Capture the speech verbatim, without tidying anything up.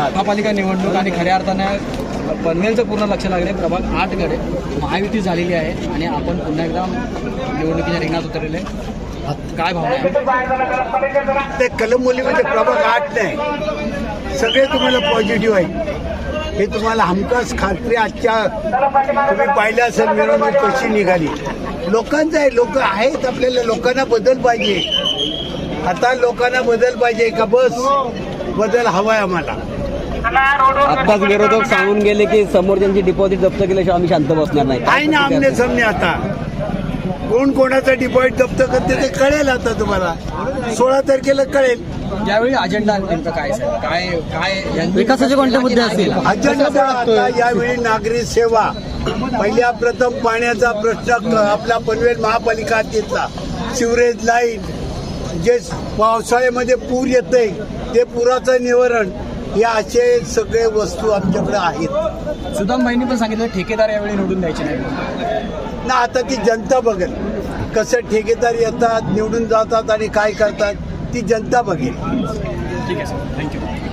महापालिका निवडणूक आणि खऱ्या अर्थाने पनवेलचं पूर्ण लक्ष लागले प्रभाग आठकडे महायुती झालेली आहे आणि आपण पुन्हा एकदा निवडणुकीच्या रिंगणात उतरलेले काय भावना आहे? ते कलंबोलीमध्ये प्रभाग आठ नाही, सगळे तुम्हाला पॉझिटिव्ह आहे. हे तुम्हाला हमखास खात्री आजच्या तुम्ही पाहिलं असेल मिरवणूक कशी निघाली. लोकांचं आहे, लोक आहेत, आपल्याला लोकांना बदल पाहिजे. आता लोकांना बदल पाहिजे का? बस बदल हवाय आम्हाला. आत्ताच विरोधक सांगून गेले की समोरच्यांची डिपॉझिट जप्त केल्याशिवाय आम्ही शांत बसणार नाही. आहे ना आमने सामने. आता कोण कोणाचा डिपॉझिट जप्त करते ते कळेल आता तुम्हाला. सोळा तारखेला कळेल. यावेळी अजेंडा नेमका काय साहेब? काय काय विकासाचे कोणते मुद्दे असतील? अजेंडा आता यावेळी नागरी सेवा, पहिल्या प्रथम पाण्याचा प्रश्न आपला पनवेल महापालिका हद्दीतला, सिवरेज लाईन, जे पावसाळ्यामध्ये पूर येते ते पुराचं निवारण, या असे सगळे वस्तू आमच्याकडे आहेत. सुदामबाईंनी पण सांगितलं ठेकेदार यावेळी निवडून द्यायचे नाही ना. आता ती जनता बघेल कसं ठेकेदार येतात, निवडून जातात आणि काय करतात ती जनता बघेल. ठीक आहे सर, थँक्यू.